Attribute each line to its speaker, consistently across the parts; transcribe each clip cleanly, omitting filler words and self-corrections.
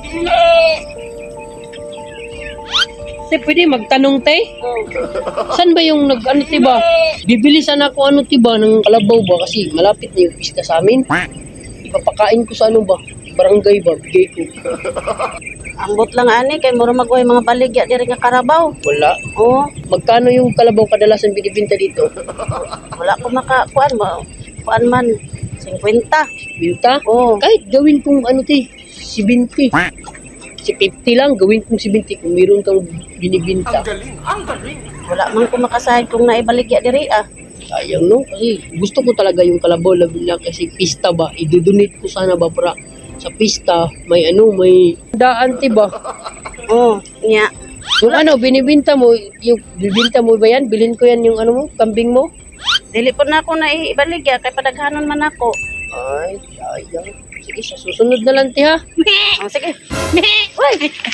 Speaker 1: Te, pwede magtanong, te? Saan ba yung ano, tiba? Bibili sana ako ano, tiba, ng kalabaw ba? Kasi malapit na yung pista sa amin. Ipapakain ko sa ano ba? Barangay ba? Bigay ko.
Speaker 2: Ambot lang ani kay mura magway mga baligya diri nga Karabaw.
Speaker 1: Wala.
Speaker 2: Oo,
Speaker 1: Magkano yung kalabaw kadalasan binibinta dito?
Speaker 2: wala ko makakuan mo. Kuan man 50.
Speaker 1: Binta?
Speaker 2: Oo.
Speaker 1: Kahit gawin kong ano, te, 70. Si 50 lang, gawin kong 70 kung meron kang binibinta.
Speaker 2: Wala man ko makasahid kung naibaligya diri ah.
Speaker 1: Sayang, no? Kasi gusto ko talaga yung kalabaw labi na kasi pista ba, idodonate ko sana ba para sa pista, may ano, may daan, ba?
Speaker 2: Oo, nya.
Speaker 1: Yung ano, binibinta mo, yung bibinta mo ba yan? Bilhin ko yan yung ano mo, kambing mo?
Speaker 2: Dili po na ako naibaligya kay padaghanon man ako.
Speaker 1: Ay, sayang. Sige, sa susunod na lang, ha?
Speaker 2: Oh, sige. Uy.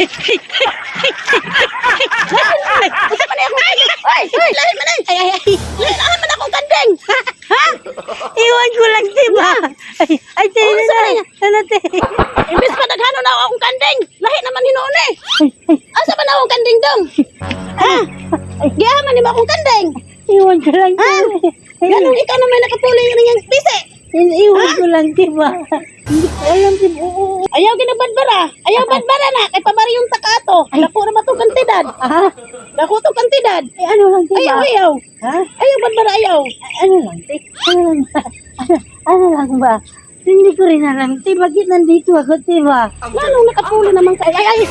Speaker 2: Usa man ako. Uy, lahi man ay. Lahi man ako kandeng. Ha?
Speaker 3: Iwan ko lang, diba? Ay, tayo na. Ano, tayo?
Speaker 2: Imbis pa daghanon na akong kandeng. Lahi naman hinuon eh. Asa man akong kandeng dong? Ha? Giyaman ni mo akong kandeng.
Speaker 3: Iwan ko lang,
Speaker 2: Ha? Ganun ikaw na may nakapuli ng yung pisi.
Speaker 3: Iwan ko lang, diba? Hindi ko alam, diba?
Speaker 2: Ayaw ginabadbara. Ayaw badbara na. Kay pabari yung takato. Dako na matong kantidad.
Speaker 3: Ha?
Speaker 2: Dako to kantidad.
Speaker 3: Ano lang, diba?
Speaker 2: Ayaw.
Speaker 3: Ha?
Speaker 2: Ayaw badbara ayaw.
Speaker 3: Ano lang, te? Ano lang ba? Ano lang ba? Hindi ko rin alam, te. Bakit nandito ako, diba?
Speaker 2: Lalong nakapuli naman ka. Ay.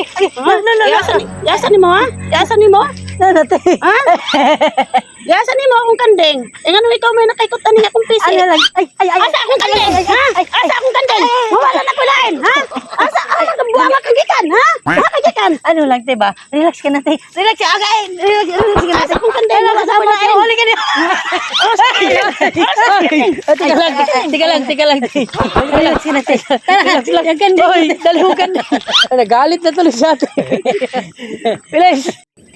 Speaker 2: Yasan ni mo ha? Yasan ni mo?
Speaker 3: Ano, te?
Speaker 2: Ha? Yasan ni mo akong kandeng. Eh nga ikaw may nakaikutan niya akong pisi.
Speaker 3: Ano lang? Ay.
Speaker 2: Asa akong kandeng? Ha? Asa akong kandeng? Mawala na kulain. Ha? Asa buha kagikan? Ha? Buha kagikan.
Speaker 3: Ano lang, diba? Relax ka na, te. Relax ka. Okay. Relax ka na.
Speaker 2: Asa akong kandeng?
Speaker 3: Relax
Speaker 2: Wala
Speaker 3: ka na, te.
Speaker 2: kulain.
Speaker 3: Huli ka na. Teka lang, te. Relax ka na, te. Relax lang. Yung kandeng.
Speaker 1: Hoy, dali mo ka na. Nagalit na tuloy sa atin. Bilis.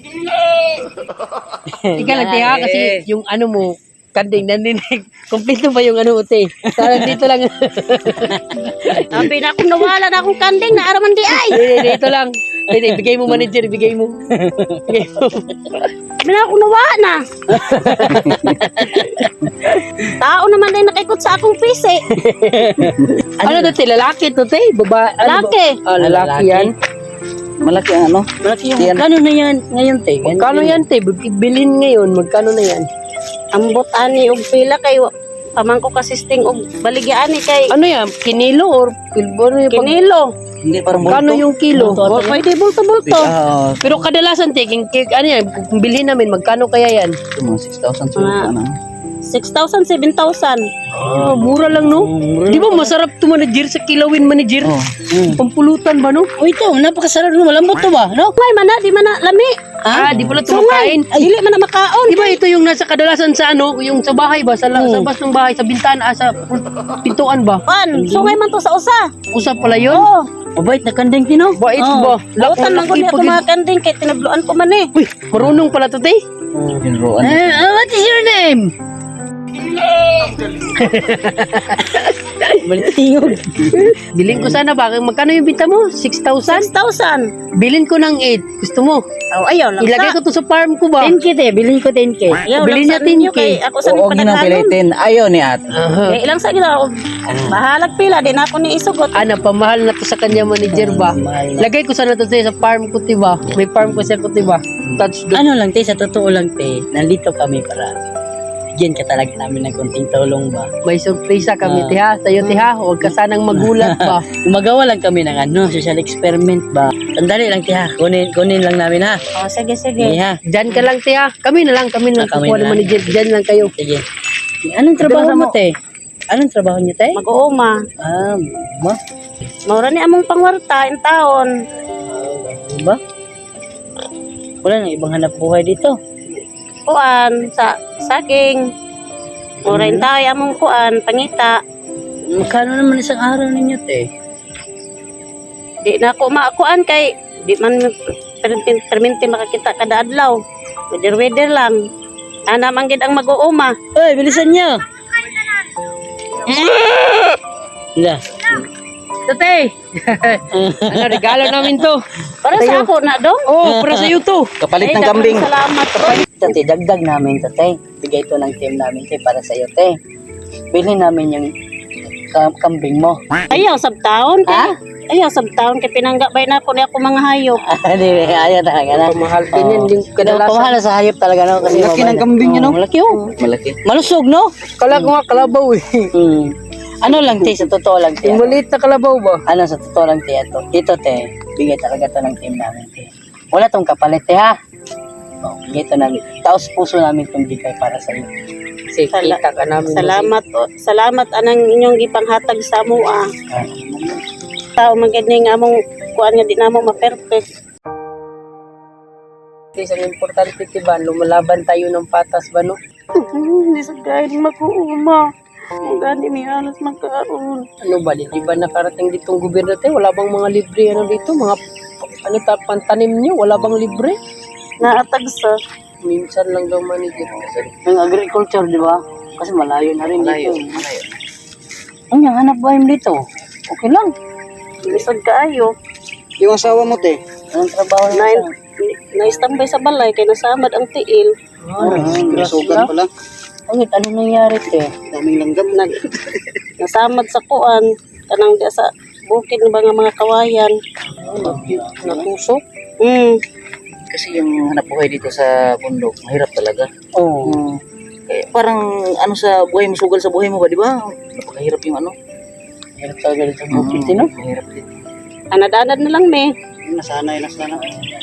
Speaker 1: Ika lang, ha, kasi yung ano mo, kanding naninig. Kompleto ba yung ano, te? Parang dito lang.
Speaker 2: Sabi na akong nawala na akong kandeng na araman di ay.
Speaker 1: Dito lang. Bigay mo, manager, bigay mo. Bigay mo.
Speaker 2: Sabi na akong nawala na. Tao naman din nakaikot sa akong pisi.
Speaker 1: Ano to, te? Lalaki to, te? Baba,
Speaker 2: Lalaki.
Speaker 1: Lalaki yan.
Speaker 4: Malaki ang ano?
Speaker 1: Malaki yung,
Speaker 4: Yan.
Speaker 1: magkano na yan ngayon, te? Magkano yan, te? Bilhin ngayon, magkano na yan?
Speaker 2: Ambot ani og pila kay pamangko kasisting og baligya ani kay
Speaker 1: Ano yan? Kinilo or pilbo? Ano yung
Speaker 2: kinilo.
Speaker 4: Hindi parang
Speaker 1: Magkano yung kilo?
Speaker 2: Pwede bulto-bulto.
Speaker 1: Pero kadalasan, te, ano yan, kung bilhin namin, magkano kaya yan?
Speaker 4: Mga 6,000 siguro ano.
Speaker 2: 6,000, 7,000.
Speaker 1: Ah, mura lang, no? Di ba masarap to manager sa kilawin manager?
Speaker 4: Oh.
Speaker 1: Pampulutan ba, no?
Speaker 3: O ito, napakasarap no, malambot to ba? No?
Speaker 2: May mana, di mana lami.
Speaker 1: Di pala
Speaker 2: Sungay.
Speaker 1: tumakain.
Speaker 2: Dili man na makaon.
Speaker 1: Di ba ito yung nasa kadalasan sa ano, yung sa bahay ba? Sa labas ng bahay, sa bintana, sa pintuan ba?
Speaker 2: Pan, sungay man to sa usa.
Speaker 1: Usap pala yun?
Speaker 2: Oh,
Speaker 3: Mabait na kandeng tino.
Speaker 1: Bait ba?
Speaker 2: lautan man ko niya kumakanding kay tinabluan ko man eh.
Speaker 1: Uy, marunong pala to, te.
Speaker 4: Pinruan.
Speaker 3: What is your name?
Speaker 1: Balitingog. Bilhin ko sana ba? Magkano yung binta mo? 6,000?
Speaker 2: 6,000.
Speaker 1: Bilhin ko ng 8. Gusto mo?
Speaker 2: Oh, ayaw lang
Speaker 1: Ilagay
Speaker 2: sa.
Speaker 1: ko to sa farm ko ba?
Speaker 3: 10K, te. Bilhin ko 10K.
Speaker 2: Ayaw
Speaker 1: Bilhin
Speaker 2: lang sa
Speaker 1: natin
Speaker 2: ninyo
Speaker 1: kay.
Speaker 2: kay ako sa
Speaker 4: Oo,
Speaker 2: padaghanon.
Speaker 4: ginapilitin. Ayaw ni at.
Speaker 1: Aha.
Speaker 2: Eh, ilang sa gina ako. Bahalag pila din ako ni isugot.
Speaker 1: Ano, pamahal na to sa kanya manager ba?
Speaker 4: Mahal na.
Speaker 1: Lagay ko sana to sa farm ko, diba? May farm ko siya ko, diba? Touch doon.
Speaker 3: Ano lang, te, sa totoo lang, te. Nandito kami para bigyan ka talaga namin ng konting tulong ba?
Speaker 1: May surpresa kami, tiha. Sa'yo, tiha. Huwag ka sanang magulat ba?
Speaker 3: Gumagawa lang kami ng ano, social experiment ba? Sandali lang, tiha. Kunin lang namin, ha?
Speaker 2: Oh, sige,
Speaker 3: Sige,
Speaker 2: sige.
Speaker 3: ha?
Speaker 1: Diyan ka lang, tiha. Kami na lang. Kami na lang.
Speaker 3: Kami
Speaker 1: Kukuha
Speaker 3: na
Speaker 1: ng
Speaker 3: lang.
Speaker 1: manager. Diyan lang kayo.
Speaker 3: Sige. Anong trabaho mo, te? Anong trabaho niyo, te?
Speaker 2: Mag-uuma.
Speaker 3: Ma?
Speaker 2: Maura ni among pangwarta in taon.
Speaker 3: Ba? Wala nang ibang hanap buhay dito.
Speaker 2: Kuan sa saging. Maura in tayo among kuan pangita.
Speaker 3: Magkano naman isang araw ninyo, te?
Speaker 2: Di na ako maakuan kay di man perminti makakita kada adlaw. Weather lang. Ana man gid ang mag-uuma.
Speaker 3: Oy, bilisan niyo! Nga.
Speaker 1: Tate! Ano, regalo namin to.
Speaker 2: Para sa ako na dong.
Speaker 1: Oh, para sa iyo to.
Speaker 4: Kapalit
Speaker 2: Ay,
Speaker 4: ng
Speaker 2: daghang
Speaker 4: kambing.
Speaker 2: Salamat po.
Speaker 3: Ito, te, dagdag namin to, te. Bigay ito ng team namin, te, para sa iyo, te. Bilhin namin yung kambing mo.
Speaker 2: Ayaw sab taon kay. Ayaw sab taon kay pinanggabay na ako ni ako mga hayop.
Speaker 3: Hindi, ayaw talaga na.
Speaker 1: Pamahal din yan. Yung
Speaker 3: Kadalasan.
Speaker 1: kadalasan.
Speaker 3: Pamahal sa hayop talaga, no? Kasi
Speaker 4: Laki ng kambing yun, no?
Speaker 3: Malaki, oh.
Speaker 4: Malaki.
Speaker 3: Malusog, no?
Speaker 1: Kala ko nga kalabaw eh.
Speaker 3: Ano lang, te, sa totoo lang, te.
Speaker 1: Yung maliit na kalabaw ba?
Speaker 3: Ano, sa totoo lang, te, ito, te, bigay talaga to ng team namin, te. Wala tong kapalit, te, ha? Oh, bigay to namin. Taos puso namin itong bigay para sa iyo.
Speaker 1: Kasi kita ka namin.
Speaker 2: Salamat po. Salamat anang inyong gipanghatag sa amo ah.
Speaker 3: Ah,
Speaker 2: Tao magani nga among kuan nga di namo ma-perfect.
Speaker 1: Kasi ang importante, diba, lumalaban tayo ng patas ba, no?
Speaker 2: Hindi sa kain mag-uuma. Ang gani mi alas magkaroon.
Speaker 1: Ano ba, di ba nakarating ditong gobyerno tayo? Wala bang mga libre ano dito? Mga pantanim nyo? Wala bang libre?
Speaker 2: Naatag sa
Speaker 1: Minsan lang daw manager.
Speaker 3: yung agriculture, di ba? Kasi malayo na rin
Speaker 4: Malayo.
Speaker 3: dito. Ang yung hanap buhay mo dito? Okay lang.
Speaker 2: lisod kaayo.
Speaker 4: Yung asawa mo, te.
Speaker 3: Anong trabaho
Speaker 2: Na
Speaker 3: na
Speaker 2: naistambay sa balay kay nasamad ang tiil.
Speaker 4: Nasugan pala.
Speaker 3: Ano nangyari, te?
Speaker 4: Daming langgam.
Speaker 2: Nasamad sa kuan kanang di sa bukid ng mga kawayan.
Speaker 1: Natusok.
Speaker 4: Kasi yung hanap buhay dito sa bundok, mahirap talaga.
Speaker 3: Oo.
Speaker 4: Eh, parang ano sa buhay mo, sugal sa buhay mo ba, di ba? Napakahirap yung ano.
Speaker 3: Hirap talaga dito sa bukid, no?
Speaker 4: Mahirap din.
Speaker 2: Anadanad na lang me.
Speaker 4: Nasanay na sana.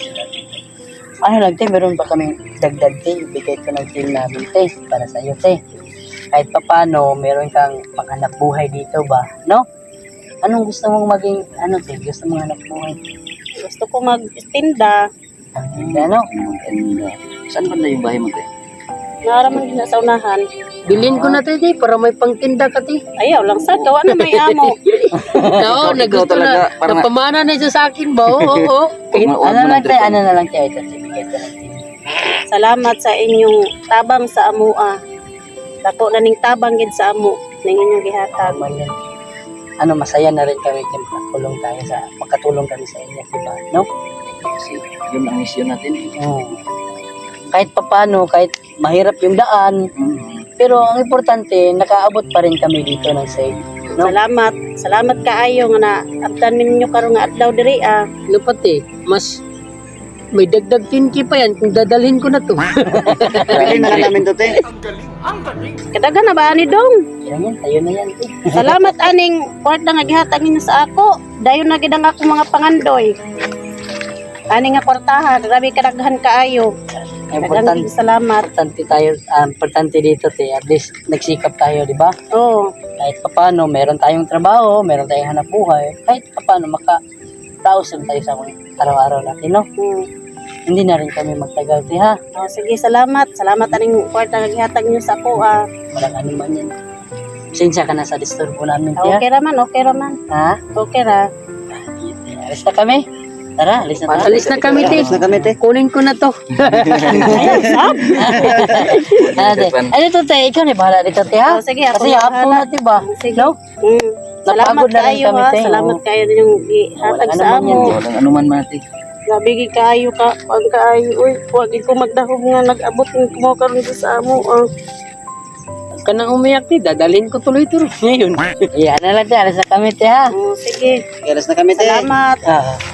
Speaker 3: Ano lang, te, meron pa kaming dagdag, te. Ibigay ko ng team namin, te. Para sa iyo, te. Kahit pa paano, meron kang panghanap buhay dito ba? No? Anong gusto mong maging, ano, te? Gusto mong hanap buhay?
Speaker 2: Gusto ko magtinda.
Speaker 3: Ano?
Speaker 4: And, saan ba na yung bahay mo, te?
Speaker 2: Naraman din sa unahan.
Speaker 1: Bilhin ko na tayo, para may pangtinda ka, te.
Speaker 2: Ayaw lang sad gawa na may amo.
Speaker 1: Oo, nagusto na.
Speaker 4: talaga, parang-
Speaker 1: Napamana na siya sa akin ba? Oo.
Speaker 3: Ano lang, te? Ano na lang, te? Ito, te. Bigay ko ng team.
Speaker 2: Salamat sa inyong tabang sa amoa. Dako na ning tabang gid sa amo ning inyong gihatag.
Speaker 3: Tama yan. Ano, masaya na rin kami, te. Makatulong kami sa inyo, diba? No?
Speaker 4: Kasi yun ang mission natin.
Speaker 3: Oo. Kahit papaano, kahit mahirap yung daan, pero ang importante, nakaabot pa rin kami dito ng safe. No?
Speaker 2: Salamat. Salamat kaayo nga na abtan min ninyo karon nga adlaw diri ah.
Speaker 1: Ano pati, mas may dagdag 10K pa yan kung dadalhin ko na to.
Speaker 4: Bilhin na lang namin to, te.
Speaker 2: Kadaga na ba ani dong?
Speaker 3: Yan, tayo na yan. Te.
Speaker 2: Salamat aning kwarta nga gihatag ninyo sa ako. Dayon na gid ang akong mga pangandoy. Ani nga kwartaha, grabe kadaghan kaayo.
Speaker 3: Importante,
Speaker 2: Daghang salamat.
Speaker 3: importante dito, te. At least, nagsikap tayo, di ba?
Speaker 2: Oh,
Speaker 3: Kahit papaano, meron tayong trabaho, meron tayong hanap buhay. Kahit papaano, makataosan tayo sa mga araw-araw natin, no? Hindi na rin kami magtagal, te, ha?
Speaker 2: Oh, sige, salamat. Salamat aning kwarta nga gihatag ninyo sa ako ah.
Speaker 3: Walang anuman yan. Sinsya ka na sa disturbo namin, te, ha?
Speaker 2: Okay raman, okay raman.
Speaker 3: Ha?
Speaker 2: Okay ra.
Speaker 3: Alis na kami. Tara, alis na tayo.
Speaker 1: Alis na kami, te.
Speaker 4: Alis na kami, te.
Speaker 1: Kunin ko na to.
Speaker 2: Ayaw, sab.
Speaker 3: Ano, te? Ano to, te? Ikaw na bahala dito, te, ha?
Speaker 2: Oh, sige, ako
Speaker 3: Kasi
Speaker 2: na
Speaker 3: hapon
Speaker 2: bahala.
Speaker 3: na, diba?
Speaker 2: Sige.
Speaker 3: No?
Speaker 2: Salamat
Speaker 3: Napagod na rin
Speaker 2: kayo
Speaker 3: kami,
Speaker 2: ha.
Speaker 3: te.
Speaker 2: Salamat
Speaker 3: Oo.
Speaker 2: kayo din yung gihatag
Speaker 3: Walang
Speaker 2: sa
Speaker 3: anuman yan,
Speaker 2: amo.
Speaker 3: te.
Speaker 4: Walang anuman man, te.
Speaker 2: Nabigi kayo ka. Pag kaayo. Uy, huwag ko magdahog nga nag-abot ng kumakaroon sa amo.
Speaker 1: Ka nang umiyak, te. Dadalhin ko tuloy-tuloy. Ngayon.
Speaker 3: Yan na lang, te. Alis na kami, te, ha?
Speaker 2: Sige.
Speaker 4: Alis na kami, te.
Speaker 2: Salamat.
Speaker 3: Ah.